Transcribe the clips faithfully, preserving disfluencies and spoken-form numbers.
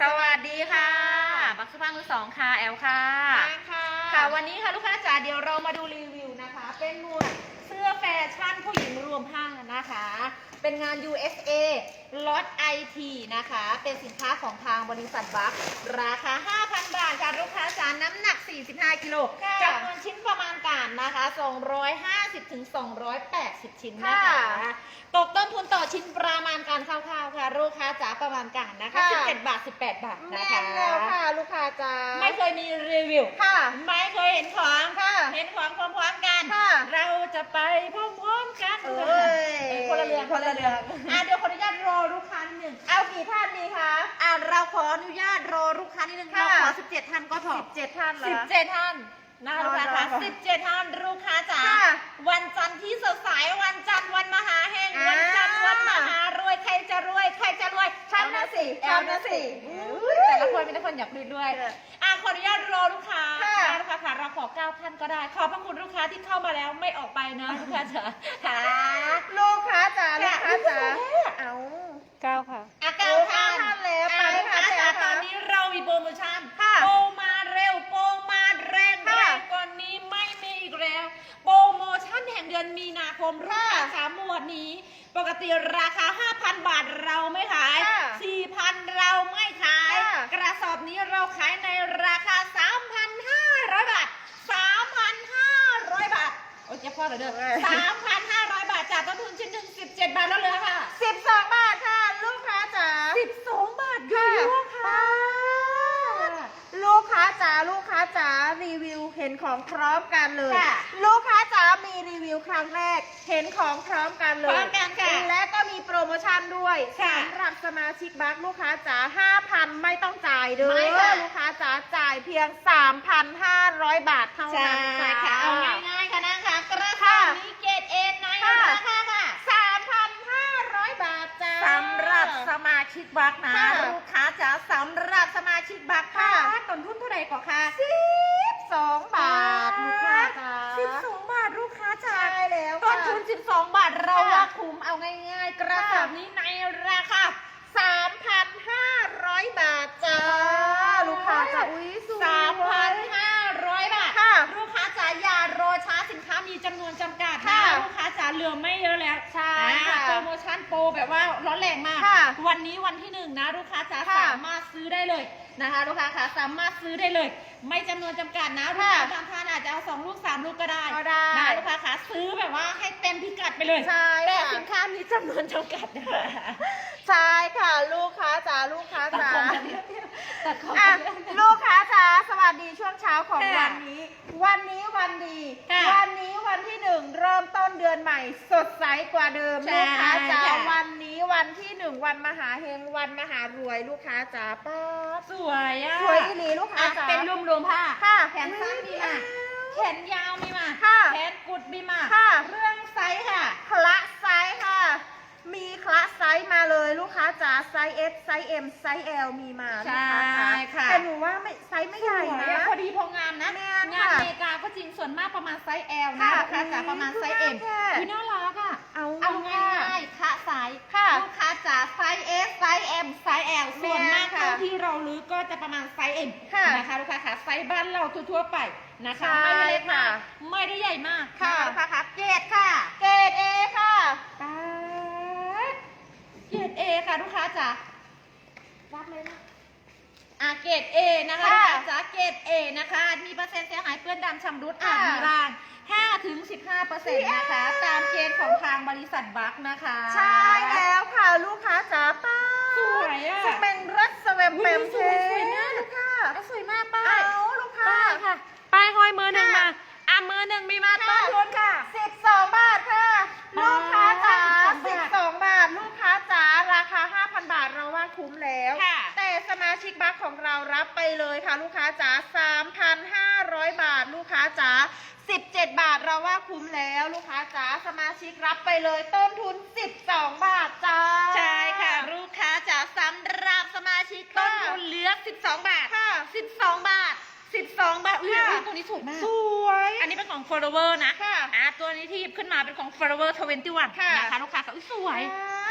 สวัสดีค่ะบักสุภาพมือสองค่ะแอลค่ะค่ะค่ะวันนี้ค่ะลูกค้าจ๋าเดี๋ยวเรามาดูรีวิวนะคะเป็นหมวดเสื้อแฟชั่นผู้หญิงรวมผ้านะคะเป็นงาน ยู เอส เอ ล็อต ไอ ที นะคะเป็นสินค้าของทางบริษัทบัคราคา ห้าพัน บาทค่ะลูกค้าจ๋าน้ำหนัก สี่สิบห้า กิโลจำนวนชิ้นประมาณการนะคะสองร้อยห้าสิบถึงสองร้อยแปดสิบชิ้นนะคะตกต้นทุนต่อชิ้นประมาณการคร่าวๆค่ะลูกค้าจ๋าประมาณการนะคะสิบเจ็ดบาทสิบแปดบาทนะคะแม่นแล้วค่ะลูกค้าจ๋าไม่เคยมีรีวิวค่ะไม่เคยเห็นของค่ะเห็นของพร้อมๆกันค่ะเราจะไปพร้อมๆกันเอ้ยคนละเรืองคนละเรืองอ่ะเดี๋ยวขออนุญาตรอลูกค้านิดหนึ่งเอากี่ท่านดีคะอ่ะเราขออนุญาตรอลูกค้านิดหนึ่งค่ะเราขอสิบเจ็ดท่านก็พอสิบเจ็ดท่านเหรอสิบเจ็ดท่านนะลูกค้ารอคะรอสิบเจ็ดท่านลูกค้าจ๋าค่ะวันจันทร์ที่สดใสวันจันทร์วันมหาแห่งอ่าวันจันทร์วันมหารวยใครจะรวยใครจะรวยฉันน่ะสิแอลนะสิฉันน่ะสิอุ๊ยแต่ละคนมีแต่คนอยากรวยด้วยค่ะอ่ะขออนุญาตรอลูกค้าค่ะได้ลูกค้าค่ะเราขอเก้าท่านก็ได้ ขอบพระคุณลูกค้าที่เข้ามาแล้วไม่ออกไปนะลูกค้าจ๋าค่ะลูกค้าจ๋าลูกค้าจ๋าค่ะเอาเก้าค่ะอ่ะเก้าโอ้ท่านเก้าท่านแล้วอ่ะไปลูกค้าค่ะจ๋าไปค่ะตอนนี้เรามีโปรโมชั่นค่ะโปรมาเร็วโปรมาแรงค่ะแรงกว่านี้ไม่มีอีกแล้ว โปรโมชั่นแห่งเดือนมีนาคมลูกค้าจ๋าหมวดนี้ ปกติราคา ห้าพัน บาทเราไม่ขายค่ะสี่พัน เราไม่ขายค่ะกระสอบนี้เราขายในราคา สามพันห้าร้อย บาท สามพันห้าร้อย บาท โอ้ยเจะพ่อเหรอเด้อ สามพันห้าร้อย บาทจากต้นทุนชิ้นหนึ่ง สิบเจ็ด บาทแล้วเหลือค่ะสิบสองบาทค่ะ ลูกค้าจ๋าสิบสอง บาทอยู่ค่ะลูกค้าจ๋าลูกค้าจ๋ารีวิวเห็นของพร้อมกันเลยค่ะลูกค้าจ๋ามีรีวิวครั้งแรก เห็นของพร้อมกันเลยพร้อมกันค่ะและก็มีโปรโมชั่นด้วยค่ะสำหรับสมาชิกบัคลูกค้าจ๋าห้าพันไม่ต้องจ่ายเด้ไม่อค่ะลูกค้าจ๋าจ่ายเพียง สามพันห้าร้อย บาทเท่าใช่นั้นค่ะค่ะเอาง่ายๆค่ะนะคะกระสค่ะอบนี้เกรดเอ็นในค่ะราคาค่ะสามพันห้าร้อยบาทจ้าสำหรับสมาชิกบัคนะค่ะลูกค้าจ๋าสำหรับสมาชิกบัคค่ะต้นทุนเท่าไหร่ก่อนคะสิบสองบาทลูกค้าจ๋าสิบสองบาทลูกค้าจ๋าใช่แล้วต้นค่ะทุนสิบสองบาทเราค่ะว่าคุ้มเอาง่ายๆ กระสอบนี้ในราคาสามพันห้าร้อยบาทจ้าลูกค้าจ๋าอุ้ยสวยสามพันห้าร้อยบาทค่ะลูกค้าจ๋าอย่ารอช้าสินค้ามีจำนวนจำกัดนะค่ะลูกค้าจ๋าเหลือไม่เยอะแล้วใช่อ่าค่ะโปรโมชั่นโปรแบบว่าร้อนแรงมากค่ะวันนี้วันที่หนึ่งนะลูกค้าจ๋าค่ะสามารถซื้อได้เลยนะคะลูกค้าค่ะสามารถซื้อได้เลย ไม่จำนวนจำกัดนะลูกค่ะค้าบางท่านอาจจะเอาสองลูกสามลูกก็ได้ก็ได้นะลูกค้าค่ะซื้อแบบว่าให้เต็มพิกัดไปเลยใช่แต่ค่ะสินค้ามีจำนวนจำกัดนะคะใช่ค่ะลูกค้าจ๋าลูกค้าตัดจ๋าของกันตัดของอ่ะกันลูกค้าจ๋าสวัสดีช่วงเช้าของค่ะวันนี้ วันนี้วันดีค่ะวันนี้วันที่หนึ่งเริ่มต้นเดือนใหม่ สดใสกว่าเดิมใช่ลูกค้าจ๋าค่ะวันนี้วันที่หนึ่งวันมหาเฮงวันมหารวยลูกค้าจ๋าป้าบสวยอ่ะสวยอีหลีลูกค้าอ่ะจ๋าเป็นรวมรวมๆผ้าค่ะแขนสั้นมีมาแขนยาวมีมาค่ะแขนกุดมีมาค่ะเรื่องไซส์ค่ะคละไซส์ค่ะ มีคละไซส์มาเลยลูกค้าจ๋าไซส์ S ไซส์ M ไซส์ L มีมาลูกค้าจ๋าใช่ค่ะแต่หนูว่าไม่ไซส์ไม่ใหญ่นะพอดีพองามนะแม่นงานค่ะอเมริกาก็จริงส่วนมากประมาณไซส์ L นะค่ะลูกค้าจ๋าประมาณไซส์ M แค่คือน่ารักอ่ะเอาเอาค่ะง่ายๆค่ะไซส์ค่ะลูกค้าจ๋าไซส์ S ไซส์ M ไซส์ L ส่วนมากแม่นค่ะเท่าที่เรารู้ก็จะประมาณไซส์ M ค่ะนะคะลูกค้าค่ะไซส์บ้านเราทั่วๆไปนะคะใช่ไม่ได้เล็กมากค่ะไม่ได้ใหญ่มากค่ะนลูกค้าค่ะเกรดค่ะเกรด A ค่ะป๊าดเกรด A ค่ะลูกค้าจ๋ารับเลยนะอ่ะเกรด A นะคะลูกค่ะค้าจ๋าเกรด A นะคะมีเปอร์เซ็นต์เสียหายเปื้อนดำชำรุดอาค่ะจมีรางห้าถึงสิบห้าเปอร์เซ็นต์นะคะ ตามเกณฑ์ของทางบริษัทบัคนะคะใช่แล้วค่ะลูกค้าจ๋าป้าบสวยอ่ะจะเป็นรถสเวมเปมสวยสวยมากลูกค้าอ่ะสวยมากป้าเอายลูกค้าป้ายค่ะป้ายห้อยมือหนึ่งมาค่ะอ่ะมือหนึ่งมีมาค่ะต้นทุนค่ะสิบสองบาทค่ะป้าลูกค้าจ๋าสิสิบบ สสออง งบาบาทท ลูกค้าจ๋าราคา ห้าพัน บาทเราว่าคุ้มแล้วค่ะแต่สมาชิกบัคของเรารับไปเลยค่ะ ลูกค้าจ๋าสามพันห้าร้อย บาท ลูกค้าจ๋าสิบเจ็ด บาทเราว่าคุ้มแล้ว ลูกค้าจ๋าสมาชิกรับไปเลยต้นทุนสิบสองบาทจ้าใช่ค่ะลูกค้าจ๋าสำหรับสมาชิกต้นทุนเหลือสิบสองบาทค่ะสิบสองบาทสิบสองบาทอุ้ยค่ะอุ้ยตัวนี้สวยมากสวยอันนี้เป็นของ Forever นะค่ะอ่ะตัวนี้ที่หยิบขึ้นมาเป็นของ Forever ทเวนตี้วันค่ะนะคะลูกค้าค่ะอุ๊ยสวยอ่า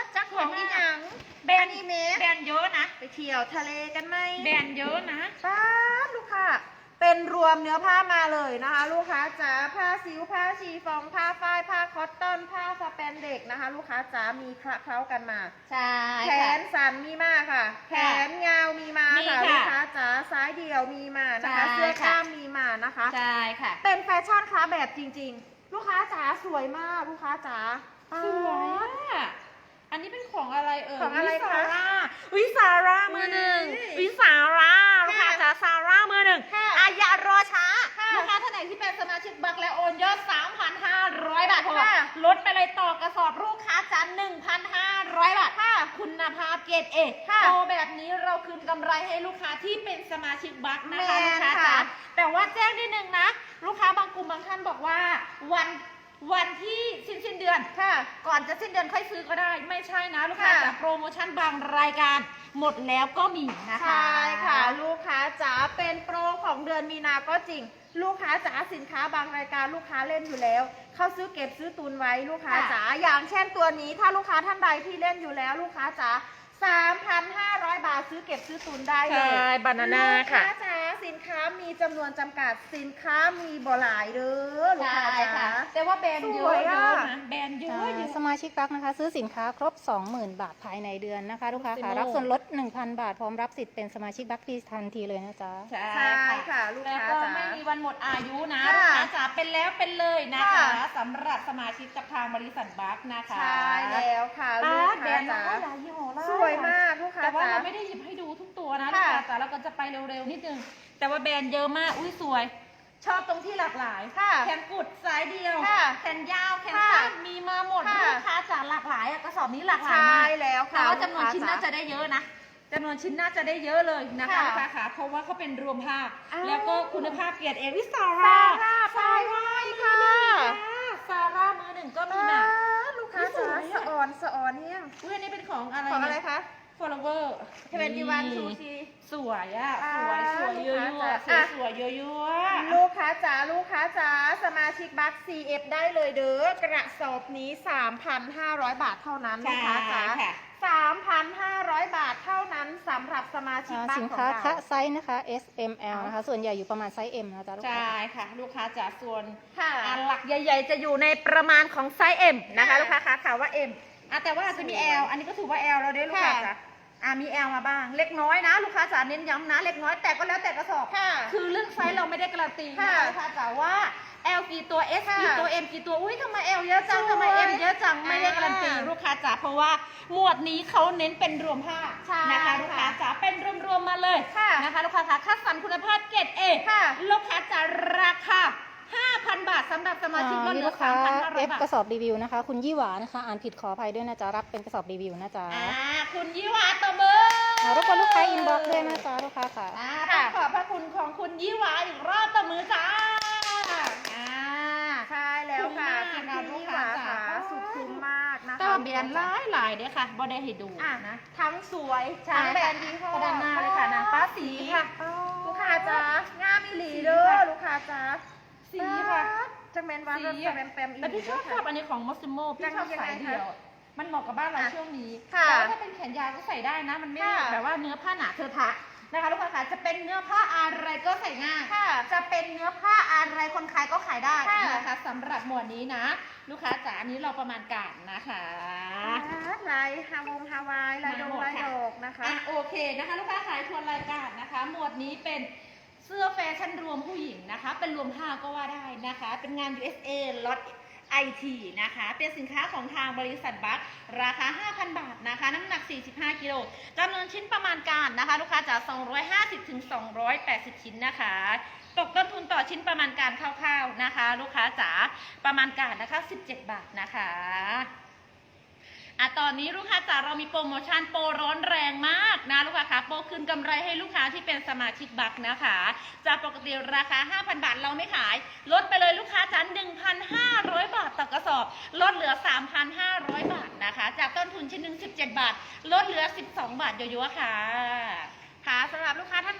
จักของอีหยังแบรนอด์นิเมะแบรนด์เยอะนะไปเที่ยวทะเลกันไหมแบรนด์เยอะนะป้าบลูกค้าเป็นรวมเนื้อผ้ามาเลยนะคะ ลูกค้าจ๋าผ้าซิวผ้าชีฟองผ้าฝ้ายผ้าคอตตอนผ้าสแปนเด็กนะคะ ลูกค้าจ๋ามีคละเคล้ากันมาใช่แขค่ะนสั้นมีมาค่ะ แขนยาวมีมามีค่ะค่ะลูกค้าจ๋าซ้ายเดี่ยวมีมานะคะใช่เสื้อค่ะกล้ามมีมานะคะใช่ค่ะเป็นแฟชั่นค้าแบบจริง ๆ ลูกค้าจ๋าสวยมากลูกค้าจ๋าสวยอ่ะ อันนี้เป็นของอะไรเอ่ยของอะไรวิคะซาร่าวิซาร่ามือหนึ่งอุ๊ยวิซาร่าลูกค้าค่ะจ๋าซาร่ามือหนึ่งค่ะอายารอช้าค่ะลูกค้าท่านไหนที่เป็นสมาชิกบัคและโอนยอด สามพันห้าร้อย บาทพอค่ะลดไปเลยต่อกระสอบลูกค้าจ๋าหนึ่งพันห้าร้อย บาทค่ะคุณภาพเกรดเอค่ะโตแบบนี้เราคืนกำไรให้ลูกค้าที่เป็นสมาชิกบัคนะคะแมลูกนค้าค่ะจ๋าแต่ว่าแจ้งนิดนึงนะ ลูกค้าบางกลุ่มบางท่านบอกว่าวันวันที่สิ้นสิ้นเดือนค่ะก่อนจะสิ้นเดือนค่อยซื้อก็ได้ ไม่ใช่นะลูกค้าค่ะแต่โปรโมชั่นบางรายการหมดแล้วก็มีนะคะใช่ค่ะ ลูกค้าจ๋าเป็นโปรของเดือนมีนาก็จริง ลูกค้าจ๋าสินค้าบางรายการลูกค้าเล่นอยู่แล้ว เขาซื้อเก็บซื้อตุนไว้ลูกค้าค่ะจ๋าอย่างเช่นตัวนี้ถ้าลูกค้าท่านใดที่เล่นอยู่แล้ว ลูกค้าจ๋าสามพันห้าร้อย บาทซื้อเก็บซื้อตุนได้เลยใช่ banana ลูกค่ะค้าจ๋าสินค้ามีจำนวนจำกัดสินค้ามีบ่หลายเด้อลูกใช่ค้าจ๋าค่ะ แต่ว่าแบรนด์เยสวอะยเยอะอะนะแบรนด์เยอะเยอ่าอะสมาชิกรักนะคะ ซื้อสินค้าครบ สองหมื่น บาทภายในเดือนนะคะ ลูกค้าค่ะ Maximo รับส่วนลด หนึ่งพัน บาท พร้อมรับสิทธิ์เป็นสมาชิกบัคทีทันทีเลยนะจ๊ะใช่ใช่ค่ะลูกแล้วค้าก็จ๋าไม่มีวันหมดอายุนะค่ะลูกค้าจ๋าเป็นแล้วเป็นเลยนะคะค่ะสำหรับสมาชิกกับทางบริษัทบัคนะคะใช่แล้วค่ะอ่าลูกแบรค้านด์จ๋าเราก็หลายยี่ห้อหลายสวยมากลูกค้าแต่ว่าจ๋าเราไม่ได้หยิบให้ดูทุกตัวนะลูกค่ะค้าจ๋าเราก็จะไปเร็วๆนิดนึงแต่ว่าแบรนด์เยอะมากอุ้ยสวย ชอบตรงที่หลากหลายค่ะแขนกุดสายเดียวค่ะแขนยาวแขนค่ะสั้นมีมาหมดค่ะลูกค้าจ๋าหลากหลายอะกระสอบนี้หลากหลายใช่มากแล้วค่ะแต่ว่าจำนวนลูกค้าชิ้นจ๋าน่าจะได้เยอะนะจำนวนชิ้นน่าจะได้เยอะเลยนะคะค่ะลูกค้าค่ะเพราะว่าเขาเป็นรวมภาพอ้าวแล้วก็คุณภาพเกียรติเอวิซาซาร่าร่าไปด้วยค่ะซาร่ามือหนึ่งก็มีอ่านะลูกค้าจ๋าสวยอะสะอ่อนสะอ่อนเนี่ยอุ้ยอันนี้เป็นของอะไรของอะไรคะ follower เทเวนตี้วันซูชิสวยอ่ะอ่าสวยสวยเยอะลูกๆค้าสจ๋าวยสวยเยอะๆลูกค้าจ๋าลูกค้าจ๋าสมาชิกบัค ซี เอฟ ได้เลยเด้อกระสอบนี้ สามพันห้าร้อย บาทเท่านั้นลูกค้าจ๋าใช่ค่ะสามพันห้าร้อย บาทเท่านั้นสำหรับสมาชิกอ่าบัคสินของค้าเราคะไซส์นะคะ เอส เอ็ม แอล นะคะ ส่วนใหญ่อยู่ประมาณไซส์ M นะจ๊ะลูกค้าใช่ค่ะ ลูกค้าจ๋าส่วนค่ะอ่าหลักใหญ่ ๆ จะอยู่ในประมาณของไซส์ M นะคะค่ะลูกค้าคะข่าวว่า M อ่ะแต่ว่าอาจจะมี L อันนี้ก็ถือว่า L แล้วเด้ลูกค้าค่ะจ๋าอ่ะมี L มาบ้าง เล็กน้อยนะ ลูกค้าจ๋าเน้นย้ำนะ เล็กน้อยแต่ก็แล้วแต่กระสอบค่ะคือเรื่องไซส์เราไม่ได้การันตีนะค่ะคะลูกค้าจ๋าว่า L กี่ตัว S ค่ะกี่ตัว M กี่ตัว อุ้ยทำไม L เยอะจังทำไมสวย M เยอะจัง ไม่ได้การันตีอ่าลูกค้าจ๋าเพราะว่าหมวดนี้เขาเน้นเป็นรวมผ้าใช่นะคะลูกค้าจ๋าเป็นรวมๆมาเลยค่ะนะคะลูกค้าคะคัดสรรคุณภาพเกรด A ค่ะลูกค้าจ๋าราคา ห้าพัน บาทสำหรับสมาชิกลอ่าดมีเหลืลูอกค้าสามพันห้าร้อย F บาทกระสอบรีวิวนะคะ คุณยี่หวานะคะ อ่านผิดขออภัยด้วยนะจ๊ะ รับเป็นกระสอบรีวิวนะจ๊ะอ่าคุณยี่หวาตบมืออ่ารบกวนลูกค้าอินบ็อกซ์ด้วยนะจ๊ะลูกค้าค่ะอ่าค่ะต้องขอบพระคุณของคุณยี่หวาอีกรอบตบมือจ้าอ่าใช่แล้วค่ะคุ้คุณมมากพี่ค่ะหวาค่ะลูกค้าจ๋าสุดคุ้มมากนะคะแต่ว่าแบรนด์หลายหลายๆเด้อค่ะบ่ได้ให้ดูอ่ะนะทั้งสวยใช่ทั้งแบรนด์ยี่ห้อด้านหน้าเลยค่ะนางฟ้าสีค่ะลูกค้าจ๋างามอีหลีเด้อลูกค้าจ๋าสีค่ะจังแมนวันสีแบบอะแปมแปมอีหแต่ลีพี่ชอบชอบอันนี้ของมอสซิโมพี่ชอบยังไงสายคะเดี่ยว มันเหมาะกับบ้านเราอ่ะช่วงนี้ค่ะแต่ว่าถ้าเป็นแขนยาวก็ใส่ได้นะ มันไม่ค่ะแบบว่าเนื้อผ้าหนาเทอะทะนะคะลูกค้าค่ะจะเป็นเนื้อผ้าอะไรก็ใส่ง่ายค่ะจะเป็นเนื้อผ้าอะไรคนขายก็ขายได้ค่ะนะคะสำหรับหมวดนี้นะ ลูกค้าจ๋าอันนี้เราประมาณการนะคะลายฮาวงฮาวายลายดงลายดอกนะคะอ่ะโอเคนะคะลูกค้าขายทวนรายการนะคะ หมวดนี้เป็นเสื้อแฟชั่นรวมผู้หญิงนะคะ เป็นรวมผ้าก็ว่าได้นะคะ เป็นงาน ยู เอส เอ ล็อต ไอ ที นะคะ เป็นสินค้าของทางบริษัทบัคราคา ห้าพัน บาทนะคะ น้ำหนัก สี่สิบห้า กิโลจำนวนชิ้นประมาณการนะคะ ลูกค้าจ๋าสองร้อยห้าสิบถึงสองร้อยแปดสิบ ชิ้นนะคะ ตกต้นทุนต่อชิ้นประมาณการคร่าวๆนะคะ ลูกค้าจ๋าประมาณการนะคะ สิบเจ็ด บาทนะคะอ่ะตอนนี้ลูกค้าจ๋าเรามีโปรโมชั่นโปรร้อนแรงมากนะลูกค้าคะโปรคืนกำไรให้ลูกค้าที่เป็นสมาชิกบัคนะคะจากปกติราคา ห้าพัน บาทเราไม่ขายลดไปเลยลูกค้าจ๋า หนึ่งพันห้าร้อย บาทต่อกระสอบลดเหลือ สามพันห้าร้อย บาทนะคะจากต้นทุนชิ้นหนึ่งสิบเจ็ด บาทลดเหลือสิบสอง บาทเยอะๆค่ะค่ะสำหรับลูกค้าท่านใด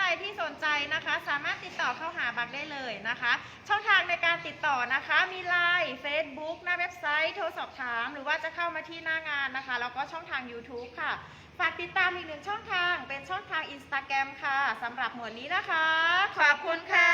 ที่สนใจนะคะ สามารถติดต่อเข้าหาบักได้เลยนะคะ ช่องทางในการติดต่อนะคะมี ไลน์ เฟซบุ๊ก หน้าเว็บไซต์โทรสอบถามหรือว่าจะเข้ามาที่หน้างานนะคะแล้วก็ช่องทาง ยูทูบ ค่ะฝากติดตามอีกหนึ่งช่องทางเป็นช่องทาง อินสตาแกรม ค่ะสำหรับหมวดนี้นะคะขอบคุณค่ะ